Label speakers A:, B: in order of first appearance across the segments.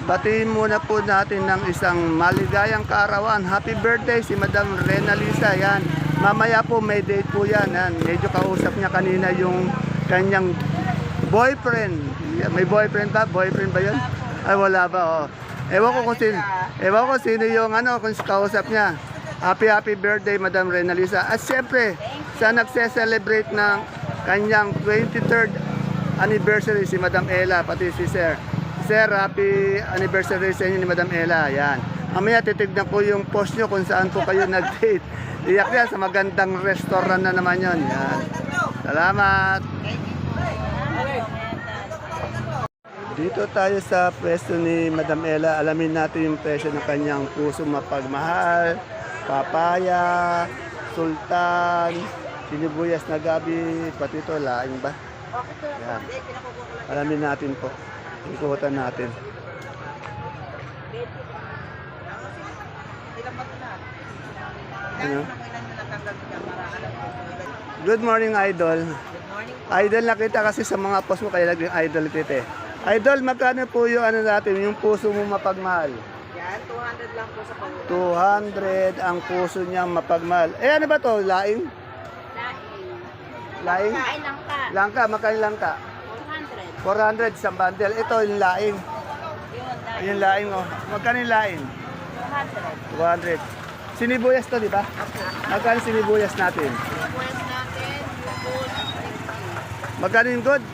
A: batiin muna po natin ng isang maligayang kaarawan. Happy birthday si Madam Rena Lisa. Yan. Mamaya po may date po yan. Yan. Medyo kausap niya kanina yung kanyang boyfriend. May boyfriend ba? Boyfriend ba yun? Ay wala ba? Oh. Ewan ko sino yung kung kausap niya. Happy birthday Madam Rena Lisa. At siyempre, sa nagse-celebrate ng kanyang 23rd anniversary si Madam Ella, pati si Sir. Sir, happy anniversary sa inyo ni Madam Ella. Yan. Mamaya titignan ko yung post nyo kung saan po kayo nag-date. Iyak yan sa magandang restaurant na naman yon. Yan. Salamat. Dito tayo sa pwesto ni Madam Ella. Alamin natin yung presyo ng kanyang puso mapagmahal, papaya, sultan, sinibuyas na gabi, pati ito, laing ba? Yan. Alamin natin po. Ikutan natin. Ano? Good morning, Idol. Idol, nakita kasi sa mga post mo, kaya naging idol kita eh. Idol, magkano po yung natin, yung puso mo mapagmahal?
B: Yan, 200 lang po sa pag
A: 200 ang puso niya mapagmahal. Eh, ano ba to? Laing? Laing?
B: Kain lang ka.
A: Langka, magkano langka?
B: 400.
A: 400 sa bundle. Ito yung laing. Yung laing, oh. Magkano yung laing?
B: 200.
A: 200. Sinibuyas to, di ba? Magkano sinibuyas natin?
B: Pwes natin, good, 50.
A: Magkano yung good?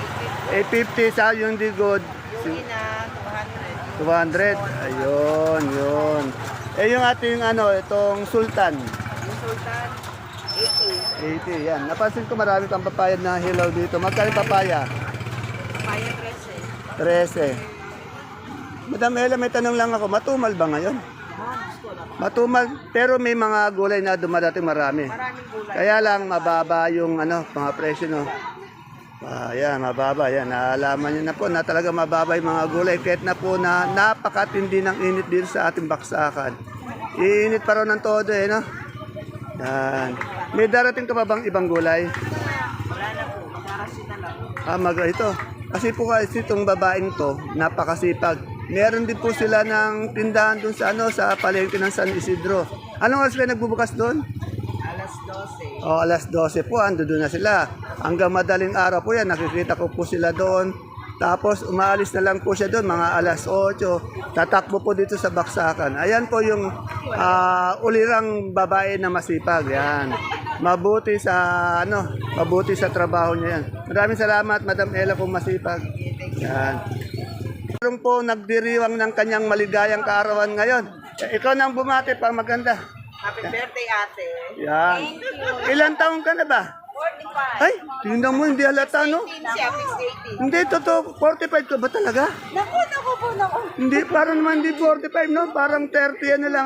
A: 850 sa yung di good.
B: Yung ina, 200.
A: 200. Ayun, yun. Eh yung ating itong sultan.
B: Yung sultan, 80.
A: 80, yan. Napansin ko marami kang papaya na hilaw dito. Magkano yung papaya?
B: Paya 13.
A: 13. Madam Ella, may tanong lang ako. Matumal ba ngayon? Matumal, pero may mga gulay na dumadating marami.
B: Maraming gulay.
A: Kaya lang mababa yung mga presyo, no. Yan, mababa yan. Naalaman niyo na po na talaga mababa yung mga gulay kahit na po na napakatindi ng init dito sa ating baksakan. Iinit pa raw ng todo no. Yan. May darating ka pa bang ibang gulay?
B: Wala na po, magarasita lang.
A: Ito. Kasi po kasi itong babaeng to, napakasipag. Meron din po sila ng tindahan dun sa palengke ng San Isidro. Anong oras kayo nagbubukas doon?
B: Alas 12.
A: Alas 12 po, ando doon na sila. Hanggang madaling araw po yan, nakikita ko po sila doon. Tapos umaalis na lang po siya doon, mga alas 8. Tatakbo po dito sa baksakan. Ayan po yung ulirang babae na masipag. Yan. Mabuti sa trabaho niya yan. Maraming salamat, Madam Ella, kung masipag. Yan. Meron po nagdiriwang ng kanyang maligayang kaarawan ngayon. Ikaw nang bumati pa, maganda.
B: Happy birthday, ate.
A: Yan.
B: Thank you.
A: Ilan taong ka na ba?
B: 45.
A: Ay, tingnan mo, hindi halata, no?
B: 18 siya, 18.
A: Hindi, totoo, 45 ka ba talaga?
B: Naku.
A: Hindi, parang naman hindi 45, no? Parang 30, lang,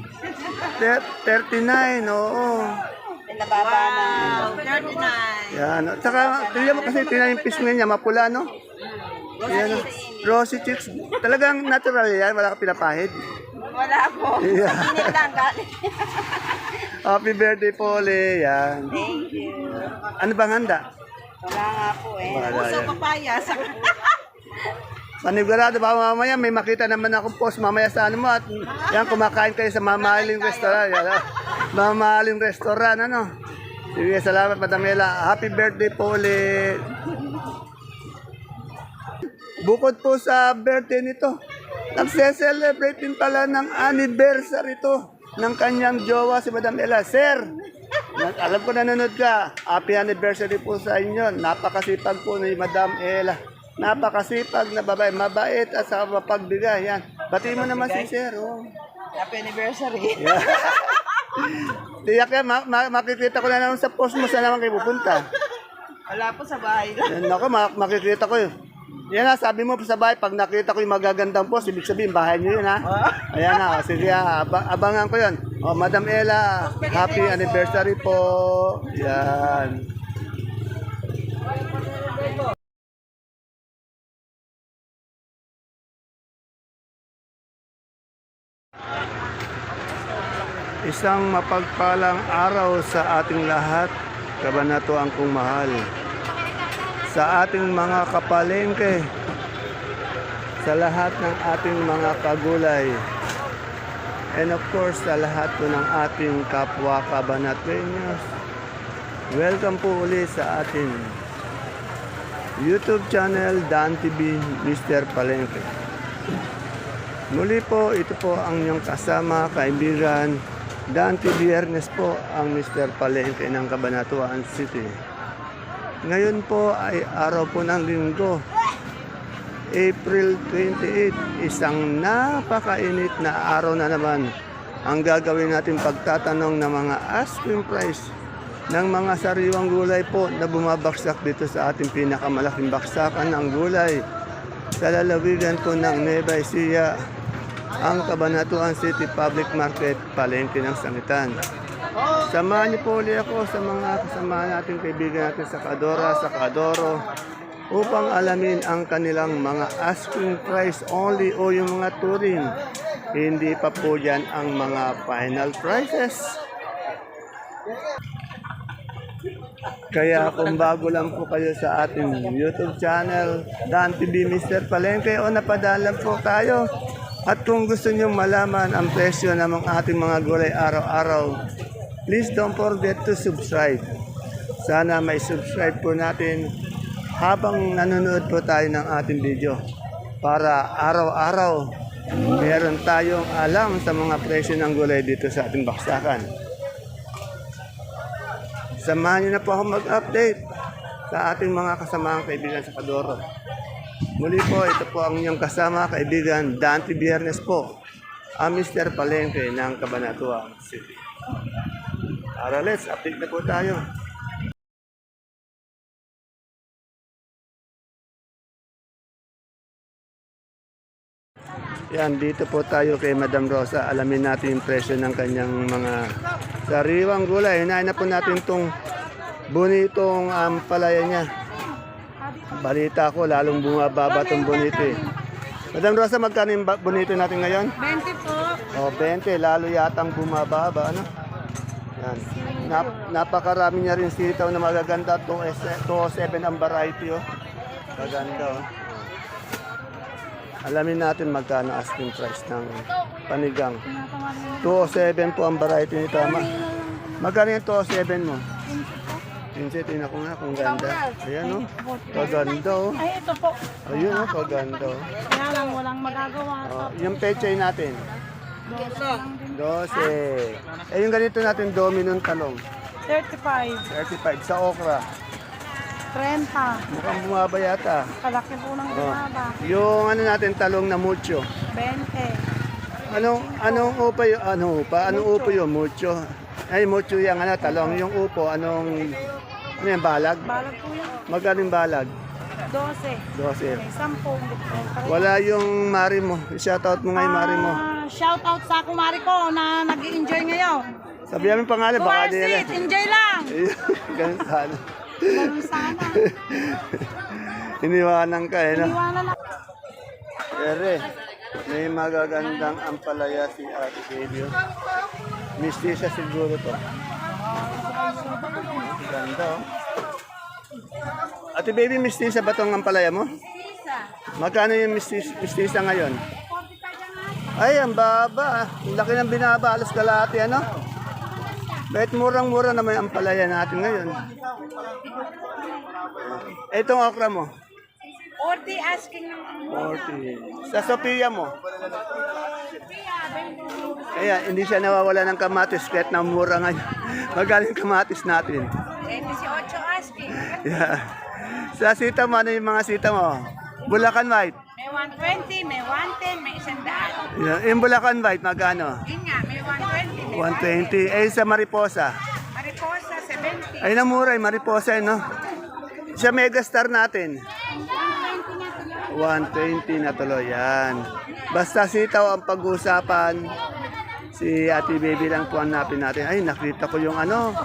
A: 39, oo.
B: Nababa na. 39.
A: Yan, tsaka, tingnan mo kasi, tingnan yung pisngi niya, mapula, no? Yan, rosy cheeks. Talagang natural yan, wala ka pinapahid.
B: Wala po.
A: Yeah.
B: Init lang galing.
A: Happy birthday po, Ole. Yan.
B: Thank you.
A: Ano bang handa?
B: Wala nga po eh.
A: Wala
B: Puso
A: yan.
B: papaya.
A: Panigurado ba mamaya may makita naman akong post mamaya sa mo at yan kumakain kayo sa mamahaling restaurant. Yan, mamahaling restaurant, Sige, salamat, Madam Ella. Happy birthday po ulit. Bukod po sa birthday nito, nagse-celebrate din pala ng anniversary to ng kanyang jowa si Madam Ella. Sir, alam ko nanonood ka. Happy anniversary po sa inyo. Napakasipag po ni Madam Ella. Napakasipag na babae, mabait at sa mapagbigay. Yan. Batiin mo naman si Sir. Oh.
B: Happy anniversary.
A: Yeah. Tiyak yan, makikita ko na naman sa post mo saan naman kayo pupunta.
B: Wala po sa bahay lang.
A: Yan ako, makikita ko yun. Yan na, sabi mo sa bahay, pag nakita ko yung magagandang post, ibig sabihin, bahay nyo yun, ha? Ayan na, sige, abangan ko yun. O, Madam Ella, happy anniversary po. Yan. Isang mapagpalang araw sa ating lahat, kabanatuan kong mahal. Sa ating mga kapalengke, sa lahat ng ating mga kagulay. And of course, sa lahat po ng ating kapwa Cabanatueños. Welcome po ulit sa ating YouTube channel, Dan TV, Mr. Palengke. Muli po, ito po ang inyong kasama, kaibigan, Dan TV Ernest po, ang Mr. Palengke ng Cabanatuan City. Ngayon po ay araw po ng linggo, April 28, isang napakainit na araw na naman. Ang gagawin natin pagtatanong ng mga asking price ng mga sariwang gulay po na bumabaksak dito sa ating pinakamalaking baksakan ng gulay sa lalawigan po ng Nueva Ecija, ang Cabanatuan City Public Market, Palengke ng Sangitan. Samahan niyo po ulit ako sa mga kasama natin, kaibigan natin sa Kadora, sa Kadoro, upang alamin ang kanilang mga asking price only o yung mga touring. Hindi pa po yan ang mga final prices. Kaya kung bago lang po kayo sa ating YouTube channel, Dan TV Mr. Palengke, o napadalan po tayo. At kung gusto nyo malaman ang presyo ng ating mga gulay araw-araw, please don't forget to subscribe. Sana may subscribe po natin habang nanonood po tayo ng ating video para araw-araw meron tayong alam sa mga presyo ng gulay dito sa ating baksakan. Samahan niyo na po ako mag-update sa ating mga kasamaang kaibigan sa Kadoro. Muli po, ito po ang inyong kasama, kaibigan, Dante Biernes po, ang Mr. Palengke ng Cabanatuan City. Tara, let's update na po tayo. Yan, dito po tayo kay Madam Rosa. Alamin natin yung presyo ng kanyang mga sariwang gulay. Hinahin na po natin itong bonitong palaya niya. Balita ko, lalong bumababa itong bonito eh. Madam Rosa, magkano yung bonito natin ngayon?
B: 20 po.
A: O, 20. Lalo yatang bumababa. Ano? Yan. Napakarami niya rin sitaw na magaganda. 207 ang variety. Oh. Maganda. Oh. Alamin natin magkano asking price ng panigang. 207 po ang variety nito. Magkano yung 207 mo? 15, tingnan ko nga kung ganda. Ayan o, kaganda o.
B: Ay, ito po.
A: Ayun o, kaganda o.
B: Kaya lang, walang magagawa.
A: Yung pechay natin, 12. Yung ganito natin, dominong talong,
B: 35.
A: 35. Sa okra,
B: 30.
A: mukhang bumaba yata.
B: Kalaki po ng bumaba.
A: Yung ano natin, talong na mucho.
B: 20.
A: Anong upo yun? Anong upo yun? Mucho. Ay, mucho yung talong. Yung upo, ano yung balag?
B: Balag po yan.
A: Magkano yung balag?
B: 12.
A: 12.
B: May 10.
A: Wala yung mari mo. Shoutout mo nga yung mari mo.
B: Shout out sa kumari ko na nag-enjoy ngayon.
A: Sabihan mo yung pangalan, baka nila.
B: Kumarsit, enjoy lang.
A: Ganun sana.
B: Ganun sana.
A: Iniwanan ka eh, no?
B: Iwanan na.
A: Ere, may magagandang ampalaya si Ate Baby. Mistisa siguro to. Ganda oh. Ate Baby, mistisa ba tong ampalaya mo? Magkano yung mistisa ngayon? Ay, ang baba. Ang laki ng binaba. Alas kalahati, ano? Kahit murang-mura naman ang ampalaya natin ngayon. Itong okra mo?
B: 40 asking ng
A: 40. Sa Sophia mo? Kaya hindi siya nawawala ng kamatis kahit na mura ngayon. Magaling kamatis natin.
B: 18 asking.
A: Yeah. Sa sita mo, ano yung mga sita mo? Bulacan White.
B: May 120, may 110, may 100.
A: Yeah. Yung Bulacan White, magkano?
B: Yun nga, may 120, may
A: 120. Eh, sa Mariposa.
B: Mariposa, 70.
A: Ay, namuray, Mariposa, no? Sa Megastar natin. 120 na tuloy, yan. Basta sitaw ang pag-uusapan. Si Ate Baby lang po hanapin natin. Ay, nakita ko yung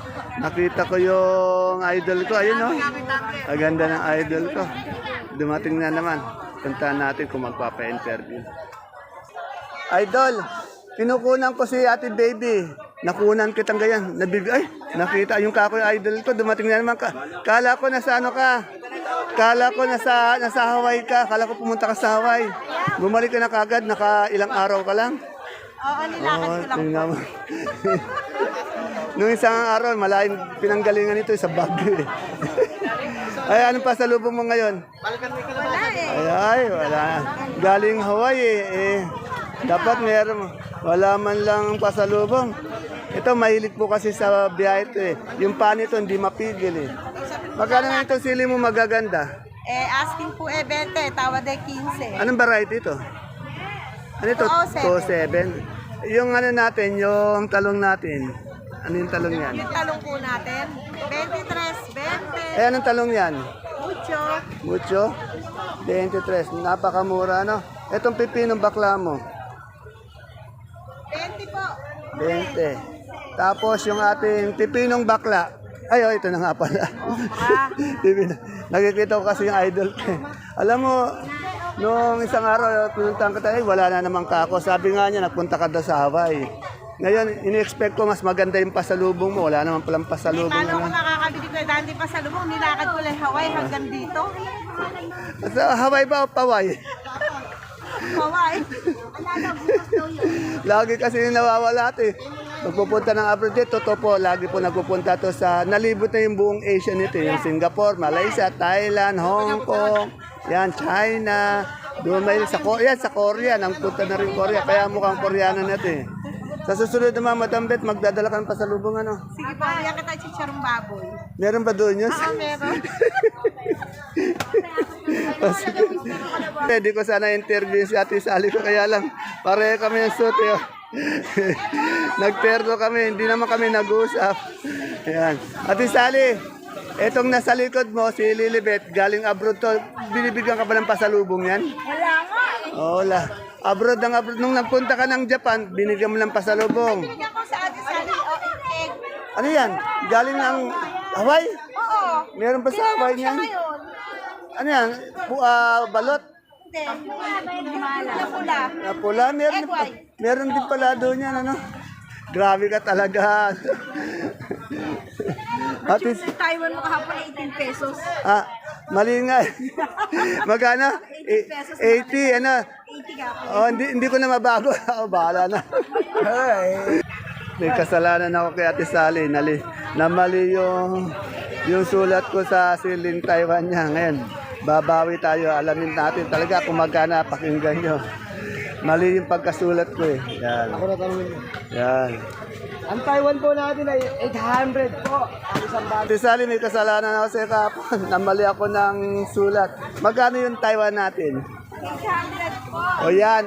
A: idol ko. Ayun, no? Ang ganda ng idol ko. Dumating na naman. Puntahan natin kung magpapa-interview. Idol, kinukunan ko si Ate Baby. Nakunan kitang ganyan. Nakita yung kako yung idol ko. Dumating na naman ka. Kala ko nasa ano ka. Kala ko nasa Hawaii ka. Kala ko pumunta ka sa Hawaii. Bumalik ka na kagad. Naka ilang araw ka lang.
B: Oo, nilakad ko lang.
A: tingnan mo. Nung isang araw, malaking pinanggalingan ito sa Baguio eh. Ay, anong pasalubong mo ngayon?
B: Wala eh.
A: Ay, wala. Galing Hawaii eh. Dapat meron. Wala man lang pasalubong. Ito, mahilig po kasi sa biyahe ito eh. Yung pan ito, hindi mapigil eh. Magkano nga itong sili mo magaganda?
B: Asking po 20, tawad ay 15.
A: Anong variety ito? Ano ito?
B: 207.
A: 207. Yung ano natin, yung talong natin. Ano yung talong yan?
B: Yung talong po natin, 23, 20.
A: Eh, anong talong yan?
B: Mucho.
A: Mucho? 23. Napakamura, no? Itong pipinong bakla mo?
B: 20 po.
A: 20. Tapos yung ating pipinong bakla. Ay, oh, ito na nga pala. Pipino. Nakikita ko kasi yung idol ko. Eh. Alam mo, nung isang araw, pinuntahan ka tayo, wala na namang kako. Sabi nga niya, nagpunta ka daw sa Hawaii. Ngayon, ini-expect ko mas maganda yung pasalubong mo. Wala naman palang pasalubong.
B: Paano ko
A: Naman.
B: makakabili ko dahil di pa sa lubong, nilakad ko lang Hawaii hanggang dito.
A: Sa Hawaii ba o Paway?
B: Hawaii.
A: Lagi kasi nawawala ito eh. Magpupunta ng abroad dito, totoo po, lagi po nagpupunta to sa, nalibot na yung buong Asia nito. Yung Singapore, Malaysia, Thailand, Hong Kong, yan, China, dumay sa Korea, sa Korea, nang punta na rin Korea, kaya mukhang Koreano na ito eh. Sa susunod naman, Madam Bet, magdadala ka ng pasalubong ano?
B: Sige po, kaya kita chicharong baboy.
A: Meron ba doon yun?
B: Oo, meron.
A: Pwede ko sana interview si Ate Sally ko, kaya lang, pare kami ng suit eh. Nagterno kami, hindi naman kami nag-usap. Ayan. Ate Sally, etong nasa likod mo, si Lilibet, galing abroad to, binibigyan ka ba ng pasalubong yan?
B: Wala nga eh.
A: Oo, wala. Abroad ng abroad. Nung nagpunta ka ng Japan, binigyan mo ng pasalubong.
B: Binigyan ko sa Ate Sally, egg.
A: Ano yan? Galing ng Hawaii?
B: Oo.
A: Meron pa sa Hawaii
B: Siya
A: niyan?
B: ngayon.
A: Ano yan? Balot?
B: Hindi. Pula-pula.
A: Na pula?
B: Egg white.
A: Meron din pala doon yan, ano? Grabe ka talaga. Ate,
B: Sa Taiwan mo kahapon 18 pesos.
A: mali nga. Magkano? 80, ano?
B: 80 ka po.
A: Oh, hindi ko na mabago. Oh, bahala na. Ay. May kasalanan ako kay Ate Sally. Namali yung sulat ko sa siling Taiwan niya. Ngayon, babawi tayo. Alamin natin talaga kung magkano, pakinggan nyo. Mali yung pagkasulat ko eh. Yan.
C: Ako na tanongin mo.
A: Yan.
C: Ang Taiwan po natin ay 800 po. Ang isang bag.
A: Ate Sally, may kasalanan ako sa kapon. Namali ako ng sulat. Magkano yung Taiwan natin?
B: 800 po.
A: O yan,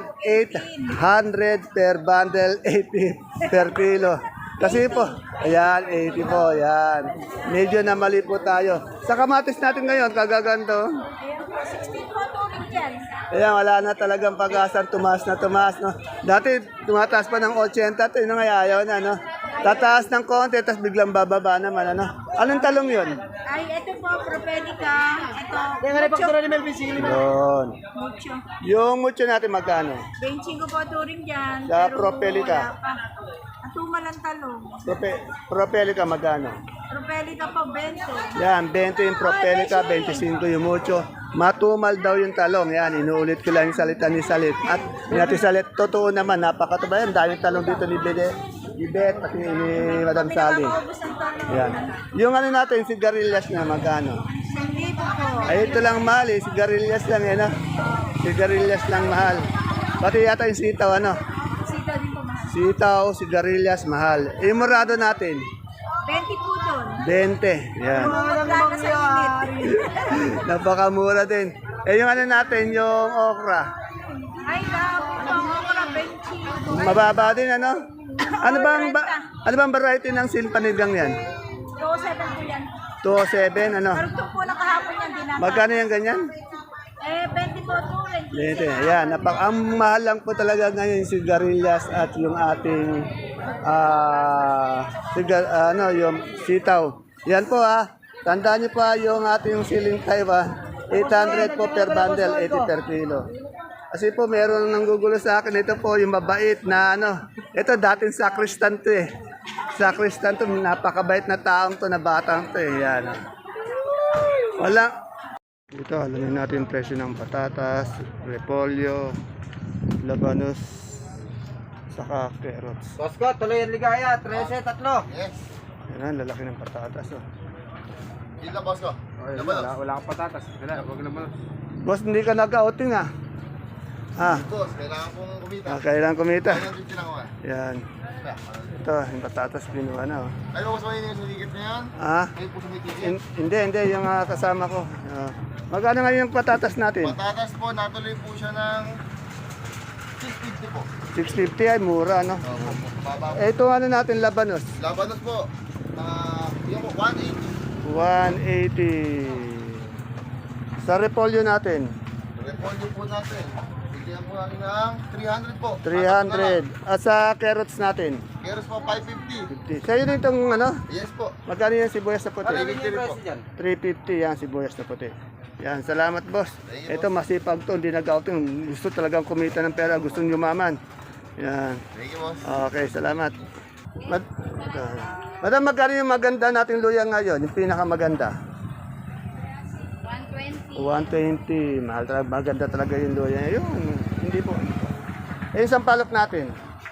A: 800 per bundle, 80 per kilo. Kasi po, ayan, 80 po, yan. Medyo namali po tayo. Sa kamatis natin ngayon, kagaganto.
B: 16 po turing dyan.
A: Ayan, wala na talagang pag-asa, tumaas na tumaas, no? Dati, tumataas pa ng 80, ito yung ayaw na, no? Tataas ng konti, tapos biglang bababa naman, ano? Anong talong yun?
B: Ay, ito po, propelica. Ito,
C: Kaya nga rin ni Melvin Sili.
A: Yun.
B: mucho.
A: Yung mucho natin magkano?
B: 25 po turing dyan.
A: Sa
B: pero
A: propelica.
B: wala pa. Ang tumal ang talong.
A: Propelica magkano?
B: Propelica po, 20.
A: Yan, 20 yung propelica, 25 yung mucho. Matumal daw yung talong. Yan, inuulit ko lang yung salita ni Salit. At ni Ate Salit, totoo naman, napakatuba yan. Daming talong dito ni Bet, pati ni Madam Sally.
B: Maubos ang talong.
A: Yan. Yung ano natin, sigarilyas na magkano?
B: 1,000 po.
A: Ay, ito lang mahal eh. Sigarilyas lang yan, ah. Sigarilyas lang mahal. Pati yata yung sitaw, ano?
B: Sita din po mahal.
A: Sitaw, sigarilyas, mahal. Eh, yung murado natin,
B: 20 po doon.
A: 20. Yan.
B: Wala na sa init.
A: Napakamura din. Eh, yung ano natin, yung okra.
B: Ay, ako na 20.
A: Mababa din, ano? Ano bang variety ng silpanigang yan?
B: 2,700 po yan.
A: 207, ano?
B: Pero ito po na kahapon yan, di na.
A: Magkano yung ganyan?
B: 20 po turing.
A: 20. Ayan, ang mahal lang po talaga ngayon yung sigarilyas at yung ating yung sitaw. Yan po tandaan niyo pa yung ating siling Taiwan, 800 po per bundle, 80 per kilo. Kasi po meron nang gugulo sa akin, ito po yung mabait na ito dating sacristan to eh. Sacristan to, napakabait na taong to, na batang to eh. Yan. Wala, Dito, alamin natin yung presyo ng patatas, repolyo, labanos, saka carrots.
C: Bosko, tuloy ang ligaya. 13, tatlo.
D: Yes.
A: Yan, lalaki ng patatas. Oh.
D: Yun lang, boss ko.
C: Wala kang patatas. Wala, wag naman.
A: Boss, hindi ka nag-outing ah.
D: Boss, kailangan pong kumita.
A: Kailangan kumita.
D: Kailangan din lang ako.
A: Yan. Ito, yung patatas binuha na. Oh.
D: Ay, boss, may yung sumikat na yan?
A: Ah,
D: Kayo po sumitigit.
A: hindi, yung kasama ko. Magkano ngayon yung patatas natin?
D: Patatas po, natuloy po siya ng 650 po.
A: 650 ay mura, no?
D: Opo, baba po.
A: Ito ano natin, labanos.
D: Labanos po, yun po, 180.
A: 180. Sa repolyo natin,
D: Repolyo po natin. Bigyan po natin ng 300 po.
A: 300. At sa carrots natin,
D: Keros po, 550.
A: 50. Sa'yo na itong ano,
D: Yes po.
A: magkano yung sibuyas na puti?
D: 350 rin po.
A: 350 yan, sibuyas na puti. Yan, salamat boss.
D: Thank you,
A: Ito masipag to, hindi nag-outing. Gusto talagang kumita ng pera, gustong yumaman. Yan.
D: Thank you, boss.
A: Okay, salamat. Madam, magkano yung maganda nating luya ngayon? Yung pinakamaganda? 120. 120. Mahal talaga, maganda talaga yung luya. Yun, hindi po. Eh, isang palok natin.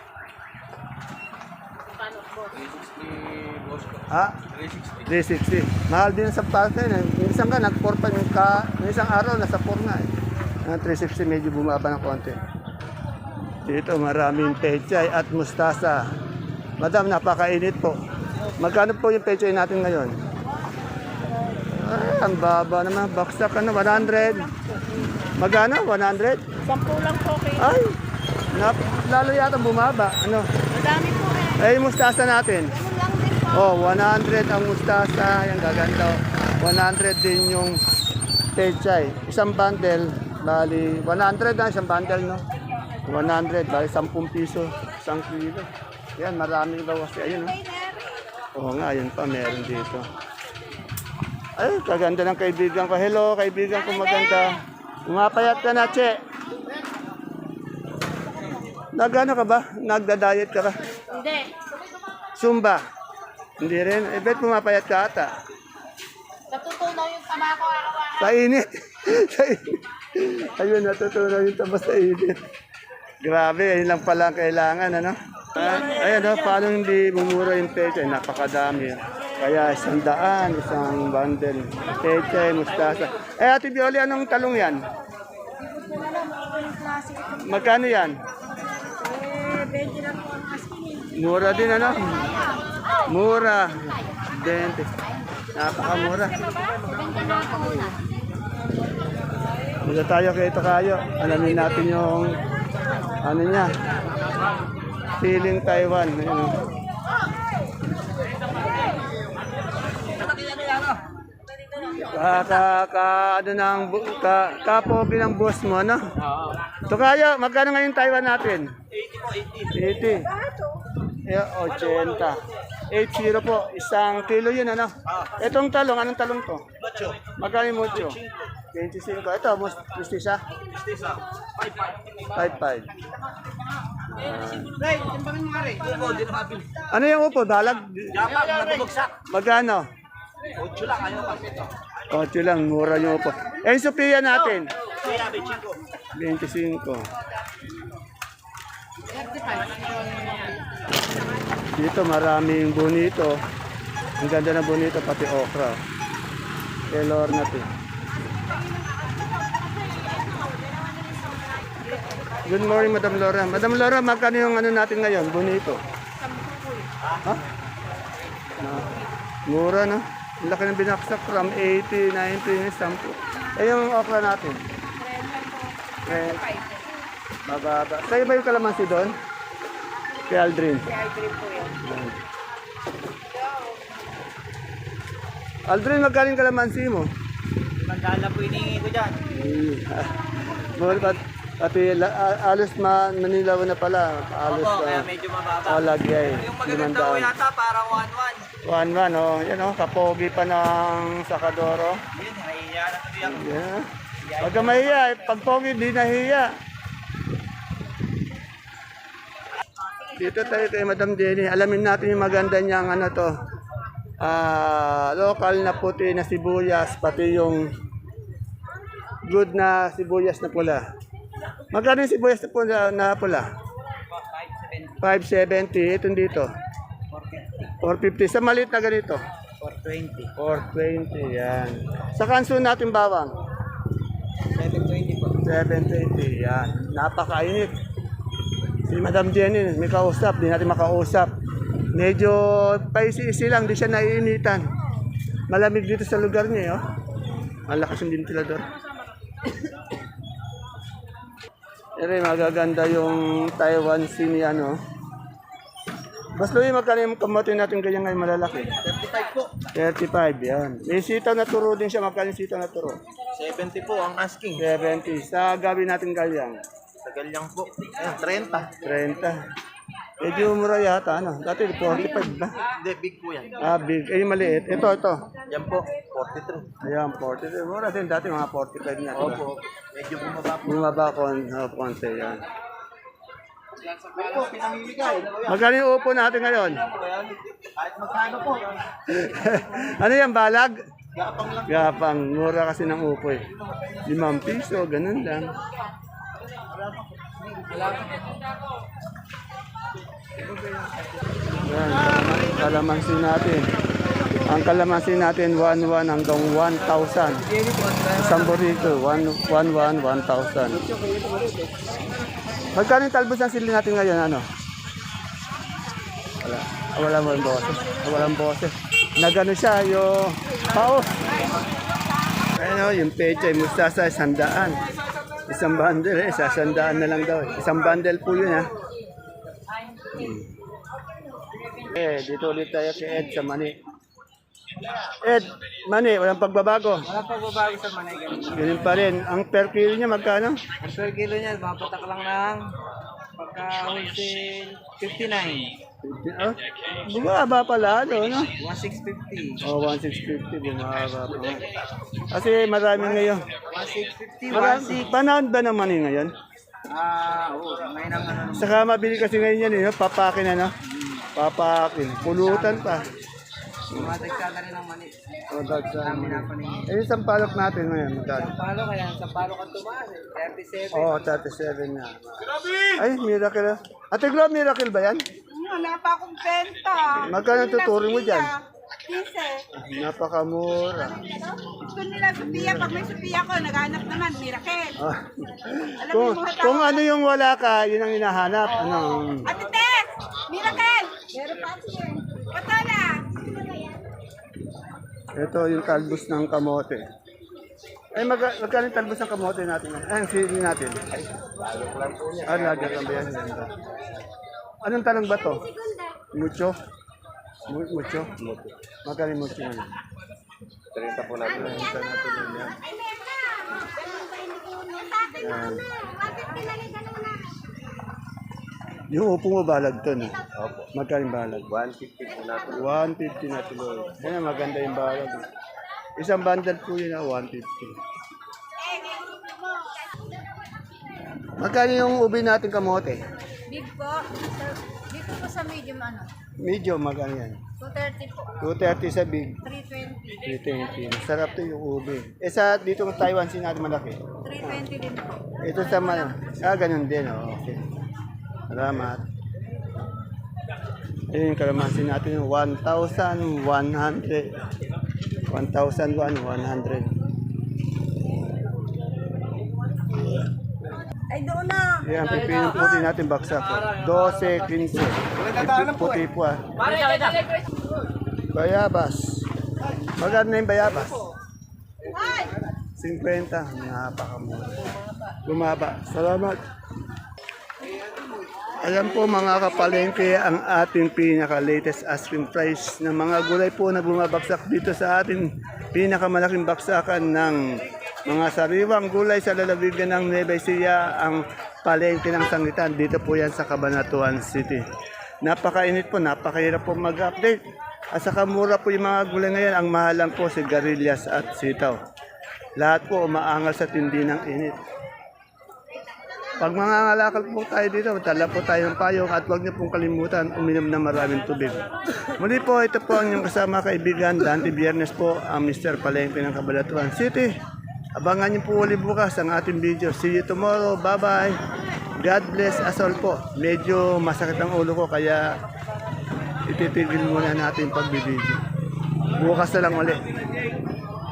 A: Ha? 360. Mahal din sa palok na yun. Minsan ka, nag-4 pa yung isang araw, nasa 4 na eh. 360 medyo bumaba ng konti. Dito maraming pechay at mustasa. Madam, napakainit po. Magkano po yung pechay natin ngayon? Ay, ang baba naman. Baksak ano, 100. Magkano? 100?
B: 10 lang po kayo.
A: Ay, lalo yata bumaba. Ano?
B: Madami po eh.
A: Eh, yung mustasa natin.
B: Ganun lang din po.
A: Oh, 100 ang mustasa. Yan, gaganda. 100 din yung pechay. Isang bundle, bali, 100 na isang bundle, no? 100, bali 10 piso, isang kilo. Yan, marami daw kasi. Ayun, no? Oo nga, ayun pa, meron dito. Ay, kaganda ng kaibigan ko. Hello, kaibigan ko maganda. Umapayat ka na, Che. Nagano ka ba? Nagda-diet ka ba?
B: Hindi.
A: Zumba? Hindi rin. Eh, bet pumapayat ka ata.
B: Natutunaw yung tama ko araw-araw.
A: Sa init. Sa init. Ayun, natutunan yung taba sa init. Grabe, ayun lang pala ang kailangan, ano? Ayun, no, paano hindi bumura yung pecha? Napakadami. Kaya 100, isang bundle. Pecha, mustasa. Eh, Ate Bioli, anong talong yan? Magkano yan?
B: 20 lang po ang asking.
A: Mura din, ano? Mura. 20. Napakamura. Mula tayo kay Tokayo. Alamin natin yung ano niya. Siling Taiwan. Ayun, oh. Ano nang kapogi ng boss mo, no? Tokayo, magkano ngayon Taiwan natin? 80 po, 80. 80. 80 po, isang kilo yun, ano? Itong talong, anong talong to? Mucho. Magkano yung mucho? 25. Ito, mustisa? Mustisa, 5.5. Ano yung upo? Dalag? Magkano? 8 lang, ayaw kasi ito. 8 lang, mura yung upo. Eh, yung Sophia natin? 25. Dito maraming bonito. Ang ganda ng bonito, pati okra. Kay Lorna to. Good morning, Madam Laura. Madam Laura, magkano yung ano natin ngayon? Bonito. Ha? Mura, no? Ang laki ng binaksak from 80, 90, 10. Eh, yung okra natin? Mababa. Sa'yo ba yung kalamansi doon? Kay Aldrin. Kay Aldrin po yun. Aldrin, magkano yung kalamansi mo?
C: Mandala po inihingi ko dyan.
A: Pati alos Manilaw na pala. Alos
C: Kaya medyo mababa.
A: Lagay.
C: Yung magaganda ko yata parang 1-1.
A: 1-1, oh. Yan, oh. Kapogi pa ng Sakadoro.
C: Yun, nahihiya na tuloy ako.
A: Yeah. Huwag ka mahiya. Pag pogi, di nahiya. Dito tayo kay Madam Jenny. Alamin natin yung maganda niyang ano to. Local na puti na sibuyas. Pati yung good na sibuyas na pula. Magkano yung sibuyas na pula? 570. Itong dito? 450. Sa maliit na ganito?
C: 420.
A: 420, yan. Sa kanso natin bawang?
C: 720 po.
A: 720, yan. Napakainit. Si Madam Jenny, may kausap, di natin makausap. Medyo paisi-isi lang, di siya naiinitan. Malamig dito sa lugar niya, oh. Malakas yung ventilador. Ere, magaganda yung Taiwan Sea ni ano. Bas Louie, magkano yung kamote natin ganyan ngayon malalaki?
D: 35 po.
A: 35, yan. May sitaw na turo din siya, magkano yung sitaw na turo?
D: 70 po ang asking.
A: 70. Sa gabi natin galyang?
D: Tagal lang po. Ayan, 30.
A: 30. Medyo mura yata, ano? Dati 45 ba?
D: Hindi, big po yan.
A: Ah, big. Eh, yung maliit. Ito.
D: Yan po, 43.
A: Ayan, 43. Mura din. Dati mga 45 na. Diba?
D: Opo. Medyo bumaba po.
A: Bumaba konti yan.
D: Opo, pinamimigay.
A: Magkano yung upo natin ngayon?
D: Kahit magkano po.
A: Ano yan, balag?
D: Gapang lang.
A: Gapang. Mura kasi ng upo eh. 5 piso, ganun lang. Yan, kalamansi natin. Ang kalamansi natin, 1,100 hanggang 1,000. Isang burrito, 1,100, 1,000. Magkano yung talbos ng sili natin ngayon, ano? Wala mo yung boses. Walang boses. Nagano siya, yung paos. Ano, yung pecha, yung mustasa, 100. Isang bundle eh, 100 na lang daw. Isang bundle po yun ha. Dito ulit tayo kay Ed sa Mani. Ed, Mani, walang pagbabago.
C: Walang pagbabago sa manay ganun.
A: Ganun pa rin. Ang per kilo niya magkano?
C: Ang per kilo niya, mapatak lang ng pagka-wholesale 59.
A: Oh, bumaba pala, no?
C: 1650.
A: Oh, 1,650, bumaba pa nga. Kasi marami ngayon.
C: 1650, 16.
A: Panahon ba ng Mani ngayon?
C: Oo, may naman ano.
A: Saka mabili kasi ngayon yan, no? Papakin, ano? Papakin. Pulutan pa.
C: Matagkada rin ng mani.
A: O, dagsa.
C: Kami napanin.
A: Eh, isang palok natin ngayon, magkano?
C: Sampalo kaya, sampalo ka tumaas eh. 37.
A: Oo, 37 na. Ay, miracle. Ate Glo, miracle ba yan?
B: Wala pa akong benta.
A: Magkano tuturing mo dyan?
B: 15.
A: Napakamura.
B: Gusto nila Sophia. Pag may Sophia ko, naghanap naman. Miracle.
A: Ah.
B: Alam
A: kung,
B: mo mga
A: kung
B: tao.
A: ano yung wala ka, yun ang hinahanap. Ano?
B: Ate Tess! Miracle! Meron pa siya. Katala!
A: Ito yung talbos ng kamote. Ay, magkano yung talbos ng kamote natin? Ay, ang sili natin. Ah, lager lang ba yan? Ganda. Anong tanong ba to? Mucho? Mucho? Magkano yung mucho ngayon?
D: 30 po natin.
A: 30 natin yan. Yan. Yung upo mo balag to, no?
D: Opo.
A: Magkano yung balag?
D: 150 po natin.
A: 150 na tuloy. Kaya maganda yung balag. Isang bundle po yun na 150. Magkano yung ubi natin kamote?
B: Big po. Dito po sa medium ano?
A: Medyo magkano yan?
B: 230 po.
A: 230 sa big,
B: 320.
A: 320. Sarap to yung ubi. Eh sa dito ng Taiwan sin natin malaki.
B: 320 din po.
A: Ito sa ganun din. Oh. Okay. Salamat. Ayun yung kalamansi natin yung 1,100. 1,100.
B: Ay, doon na.
A: Yan, pipinong puti natin baksak. 12, 15. Puti po ah. Bayabas. Magkano na yung bayabas? 50. Napakamura. Bumaba. Salamat. Ayan po mga kapalengke ang ating pinaka-latest asking price ng mga gulay po na bumabagsak dito sa ating pinakamalaking baksakan ng mga sariwang gulay sa lalawigan ng Nueva Ecija, ang palengke ng sangitan. Dito po yan sa Cabanatuan City. Napakainit po, napakahirap po mag-update. At saka mura po yung mga gulay ngayon. Ang mahal lang po sigarilyas at sitaw. Lahat po umaangal sa tindi ng init. Pag mangangalakal po tayo dito, tala po tayo ng payong at huwag niyo pong kalimutan uminom ng maraming tubig. Muli po, ito po ang inyong kasama kaibigan, Dante Biernes po, ang Mr. Palengke ng Cabanatuan City. Abangan niyo po ulit bukas ang ating video. See you tomorrow. Bye-bye. God bless us all po. Medyo masakit ang ulo ko kaya ititigil muna natin pagbibideo. Bukas na lang ulit.